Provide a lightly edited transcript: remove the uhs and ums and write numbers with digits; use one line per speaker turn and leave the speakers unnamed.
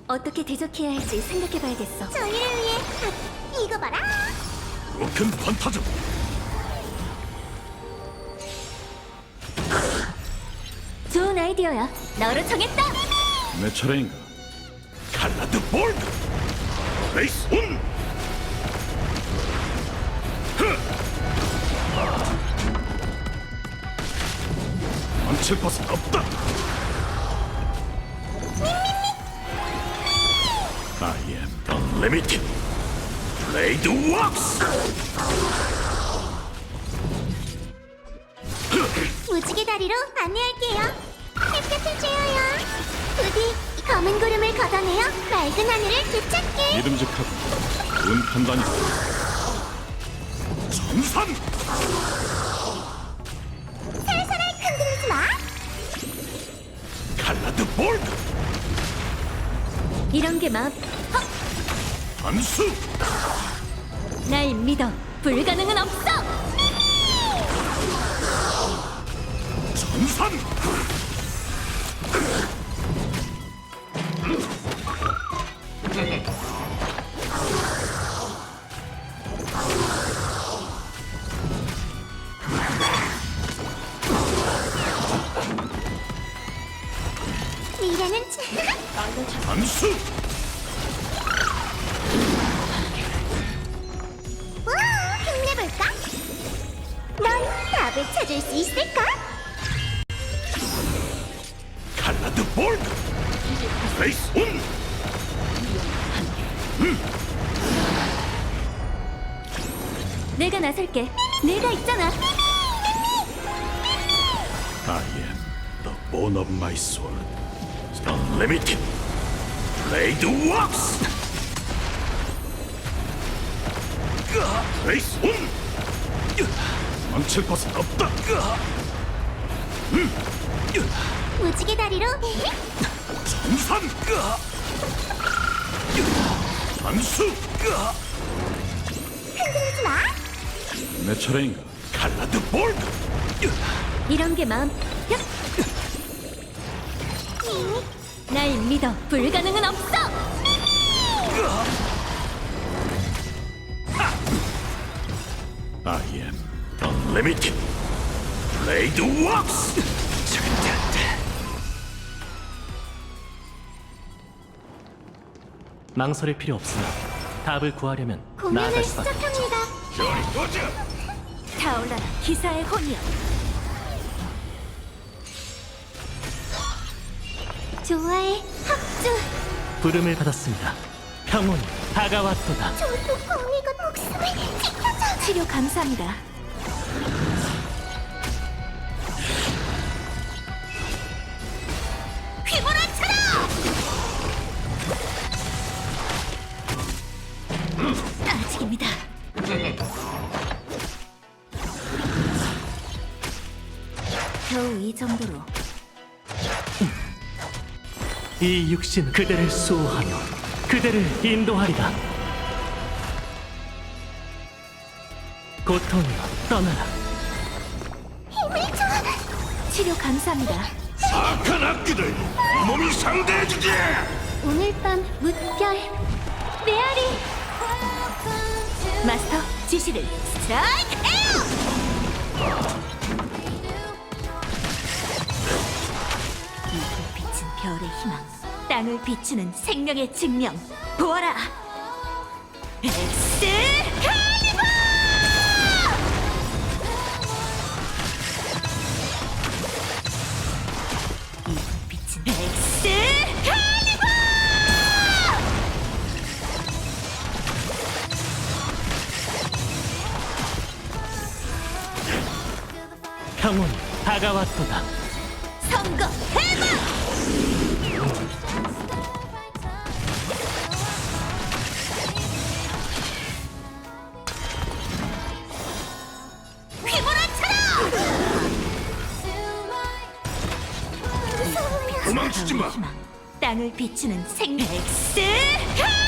어떻게 대적해야 할지 생각해봐야겠어.
저희를 위해 이거 봐라.
로큰 판타즘.
좋은 아이디어야. 너로 정했다.
내 차례인가? 칼라드 볼드. 레이스 온. 망칠 것은 없다. I am unlimited. 블레이드 왁스.
무지개 다리로 안내할게요. 햇볕을 쬐어요. 부디 검은 구름을 걷어내어 맑은 하늘을 되찾게.
믿음직하고 좋은 판단이다. 전산.
살살 흔들리지 마.
칼라드 볼드.
이런 게 마음.
단수.
날 믿어. 불가능은 없어.
전산.
미래는
단수.
와, 힘내볼까? 넌 답을 찾을 수 있을까?
칼라드 볼드. 레이스 온.
내가 나설게. 내가 있잖아.
I am the bone of my sword. Unlimited. Blade works. 레이스 온. 망칠 것은 없다.
무지개 다리로
전산. 단수.
흔들리지 마.
내 차례인가? 칼라드 볼드.
이런 게 마음. 날 믿어. 불가능은 없어.
I am unlimited. Blade works.
망설일 필요 없으나 답을 구하려면
공연을
나아갈 수밖에 없죠.
시작합니다.
저리 도저.
타올라라. 기사의 혼이여.
좋아해, 합주.
부름을 받았습니다. 평온이 다가왔도다.
저도 공익은 목숨을 지켜줘.
치료 감사합니다.
휘몰아쳐라.
아직입니다. 겨우 이 정도로.
이 육신 그대를 수호하며 그대를 인도하리라. 고통이여 떠나라.
힘을 줘.
치료 감사합니다.
악한 악기들 몸이 상대해주지.
오늘 밤 무별 메아리. 마스터 지시를 스트라이크 에어. 이 빛은 별의 희망, 땅을 비추는 생명의 증명. 보아라. 엑스칼리버. 이 빛은 엑스칼리버.
평온이 다가왔도다.
선거 해방.
도망치지 마.
땅을 비추는 생명. 엑스